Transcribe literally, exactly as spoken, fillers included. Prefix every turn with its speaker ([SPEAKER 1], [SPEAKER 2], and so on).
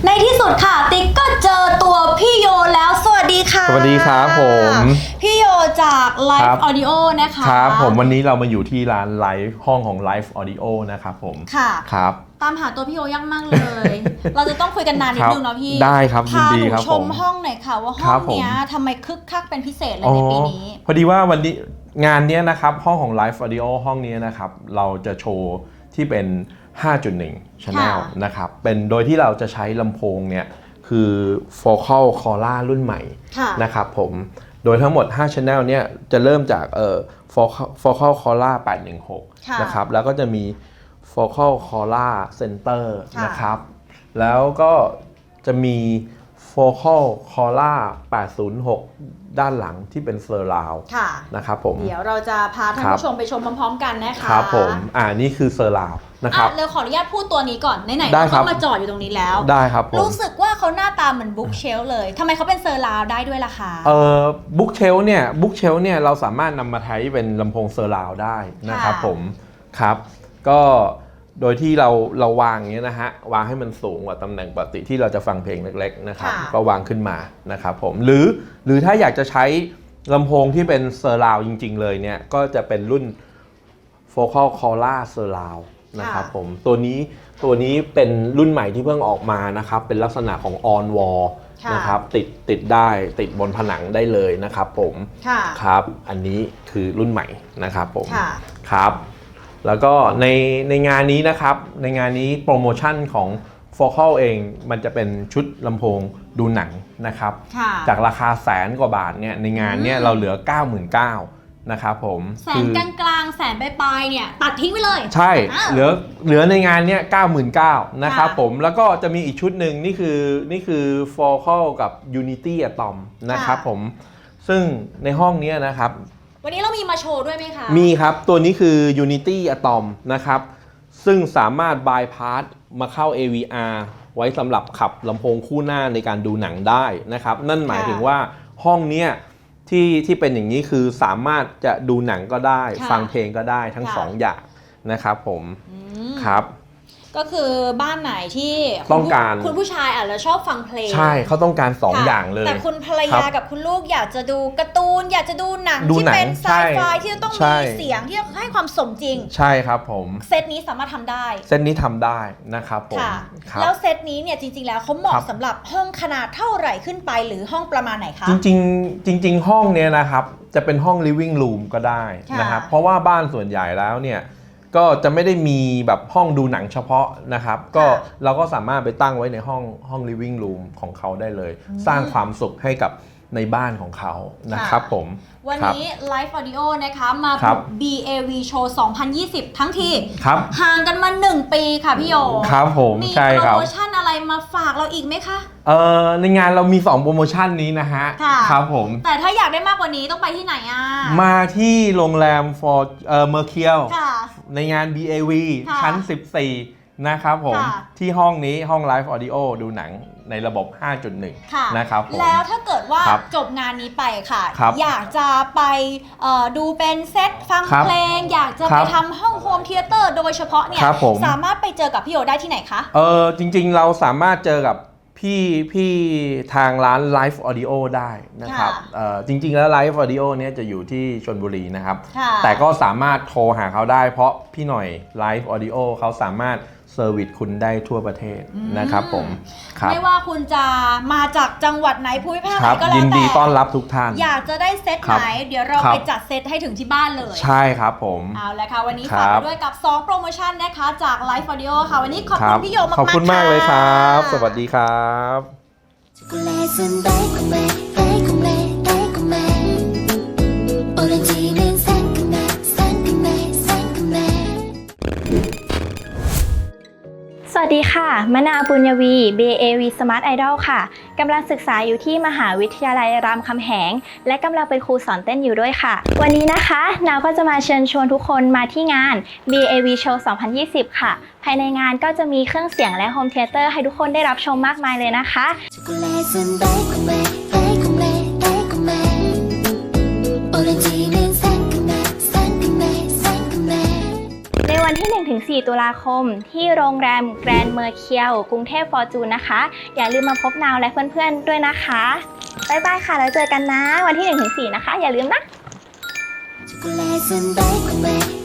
[SPEAKER 1] ในที่สุดค่ะติ๊กก็เจอตัวพี่โยแล้วสวัสดีค่ะ
[SPEAKER 2] สวัสดีครับผม
[SPEAKER 1] พี่โยจาก Live Audio นะคะ
[SPEAKER 2] ครับผมวันนี้เรามาอยู่ที่ร้านไลฟ์ห้องของ Live Audio นะครับผม
[SPEAKER 1] ค่ะ
[SPEAKER 2] ครับ
[SPEAKER 1] ตามหาตัวพี่โยยากมากเลย เราจะต้องคุยกันนานนิดนึงเนาะพี่
[SPEAKER 2] ได้ครับ
[SPEAKER 1] พาหนูชมห้องหน่อยค่ะว่าห้องเนี้ยทำไมคึกคักเป็นพิเศษเลยในปีนี้
[SPEAKER 2] พอดีว่าวันนี้งานนี้นะครับห้องของ Live Audio ห้องนี้นะครับเราจะโชว์ที่เป็น ห้าจุดหนึ่ง Channel นะครับเป็นโดยที่เราจะใช้ลำโพงเนี่ยคือ Focal Cora รุ่นใหม่นะครับผมโดยทั้งหมดห้า Channel เนี่ยจะเริ่มจากเอ่อ Focal Cora แปดหนึ่งหกนะครับแล้วก็จะมี Focal Cora Center นะครับแล้วก็จะมี Focal Cora แปดศูนย์หกด้านหลังที่เป็นเซอร์ราวนะครับผม
[SPEAKER 1] เดี๋ยวเราจะพาท่านผู้ชมไปชมพร้อมๆกันนะคะ
[SPEAKER 2] ครับผมอ่านี่คือเซอร์ราวนะครับ
[SPEAKER 1] เราขออนุญาตพูดตัวนี้ก่อนไหนๆเราก็มาจอดอยู่ตรงนี้แล้ว
[SPEAKER 2] ได้ครับผม
[SPEAKER 1] รู้สึกว่าเขาหน้าตาเหมือนบุ๊กเชลเลยทำไมเขาเป็นเซอร์ราวได้ด้วยล่ะคะ
[SPEAKER 2] เอ่อบุ๊กเชลเนี่ยบุ๊กเชลเนี่ยเราสามารถนำมาใช้เป็นลำโพงเซอร์ราวได้นะครับผมครับก็โดยที่เราเราวางอย่างนี้นะฮะวางให้มันสูงกว่าตำแหน่งปกติที่เราจะฟังเพลงเล็กๆนะครับก็วางขึ้นมานะครับผมหรือหรือถ้าอยากจะใช้ลำโพงที่เป็นเซอร์ราวจริงๆเลยเนี่ยก็จะเป็นรุ่น Focal Cora Surround นะครับผมตัวนี้ตัวนี้เป็นรุ่นใหม่ที่เพิ่งออกมานะครับเป็นลักษณะของ on wall นะครับติดติดได้ติดบนผนังได้เลยนะครับผมครับอันนี้คือรุ่นใหม่นะครับผมครับแล้วก็ในในงานนี้นะครับในงานนี้โปรโมชั่นของ Focal เองมันจะเป็นชุดลำโพงดูหนังนะครับจากราคาแสนกว่าบาทเนี่ยในงานเนี่ยเราเหลือ เก้าหมื่นเก้าพัน นะครับผม
[SPEAKER 1] แสนกลางกลางแสนปลายๆเนี่ยตัดทิ้งไปเลย
[SPEAKER 2] ใช่เหลือเหลือในงานเนี้ย เก้าหมื่นเก้าพัน นะครับผมแล้วก็จะมีอีกชุดหนึ่งนี่คือนี่คือ Focal กับ Unity Atom นะครับผมซึ่งในห้องนี้นะครับ
[SPEAKER 1] วันนี้เรามีมาโชว์ด้วยไหมคะ
[SPEAKER 2] มีครับตัวนี้คือ Unity Atom นะครับซึ่งสามารถ bypass มาเข้า เอ วี อาร์ ไว้สำหรับขับลำโพงคู่หน้าในการดูหนังได้นะครับนั่นหมายถึงว่าห้องนี้ที่ที่เป็นอย่างนี้คือสามารถจะดูหนังก็ได้ฟังเพลงก็ได้ทั้งสองอย่างนะครับผมครับ
[SPEAKER 1] ก็คือบ้านไหนที่
[SPEAKER 2] ต้องการ
[SPEAKER 1] คุณผู้ชายอาจจะชอบฟังเพลง
[SPEAKER 2] ใช่เขาต้องการสองอย่างเลย
[SPEAKER 1] แต่คุณภรรยากับคุณลูกอยากจะดูการ์ตูนอยากจะดูหนังที่เป็นไซไฟที่ต้องมีเสียงที่ให้ความสมจริง
[SPEAKER 2] ใช่ครับผม
[SPEAKER 1] เซตนี้สามารถทำได้
[SPEAKER 2] เซตนี้ทำได้นะครับผม
[SPEAKER 1] แล้วเซตนี้เนี่ยจริงๆแล้วเขาเหมาะสำหรับห้องขนาดเท่าไหร่ขึ้นไปหรือห้องประมาณไหนคะ
[SPEAKER 2] จริงๆจริงๆห้องเนี้ยนะครับจะเป็นห้อง living room ก็ได้นะครับเพราะว่าบ้านส่วนใหญ่แล้วเนี่ยก็จะไม่ได้มีแบบห้องดูหนังเฉพาะนะครับก็เราก็สามารถไปตั้งไว้ในห้องห้อง living room ของเขาได้เลยสร้างความสุขให้กับในบ้านของเขานะครับผม
[SPEAKER 1] วันนี้ Live Audio นะคะมา บี เอ วี Show สองพันยี่สิบทั้งทีห่างกันมาหนึ่งปีค่ะพี่โย
[SPEAKER 2] ครับผม
[SPEAKER 1] มีโปรโมชั่นอะไรมาฝากเราอีกไหมคะ
[SPEAKER 2] เอ่อในงานเรามีสองโปรโมชั่นนี้นะฮะครับผม
[SPEAKER 1] แต่ถ้าอยากได้มากกว่านี้ต้องไปที่ไหนอ่ะ
[SPEAKER 2] มาที่โรงแรม for เอ่อ Mercure ในงาน บี เอ วี ชั้นสิบสี่นะครับผมที่ห้องนี้ห้อง Live Audio ดูหนังในระบบ ห้าจุดหนึ่ง นะครับผม
[SPEAKER 1] แล้วถ้าเกิดว่าจบงานนี้ไปค่ะอยากจะไปดูเป็นเซตฟังเพลงอยากจะไปทำห้องโฮมเธียเตอร์โดยเฉพาะเนี่ยสามารถไปเจอกับพี่โยได้ที่ไหนคะ
[SPEAKER 2] เออจริงๆเราสามารถเจอกับพี่พี่ทางร้าน Live Audio ได้นะครับจริงๆแล้ว Live Audio เนี่ยจะอยู่ที่ชลบุรีนะครับแต่ก็สามารถโทรหาเขาได้เพราะพี่หน่อย Live Audio เขาสามารถเซอร์วิสคุณได้ทั่วประเทศนะครับผม
[SPEAKER 1] ไม่ว่าคุณจะมาจากจังหวัดไหนภูมิภาคไหนก็แล้วแต่
[SPEAKER 2] ยินดีต้อนรับทุกท่าน
[SPEAKER 1] อยากจะได้เซตไหนเดี๋ยวเราไปจัดเซตให้ถึงที่บ้านเลย
[SPEAKER 2] ใช่ครับผม
[SPEAKER 1] เอาละค่ะวันนี้ฝากด้วยกับสองโปรโมชั่นนะคะจาก Live Audio ค่ะวันนี้ขอบคุณพี่โยมากๆ
[SPEAKER 2] ขอบคุณมากเลยครับสวัสดีครับ
[SPEAKER 3] สวัสดีค่ะมนาปุญญวี บี เอ วี Smart Idol ค่ะกำลังศึกษาอยู่ที่มหาวิทยาลัยรามคำแหงและกำลังเป็นครูสอนเต้นอยู่ด้วยค่ะวันนี้นะคะนาวก็จะมาเชิญชวนทุกคนมาที่งาน บี เอ วี Show สองพันยี่สิบค่ะภายในงานก็จะมีเครื่องเสียงและโฮมเธียเตอร์ให้ทุกคนได้รับชมมากมายเลยนะคะในวันวันที่ หนึ่งถึงสี่ ตุลาคมที่โรงแรมแกรนด์เมอร์เคียวกรุงเทพฟอร์จูนนะคะอย่าลืมมาพบนาวและเพื่อนๆด้วยนะคะบ๊ายบายค่ะแล้วเจอกันนะวันที่ หนึ่งถึงสี่ นะคะอย่าลืมนะ
[SPEAKER 4] 초콜릿은 달콤해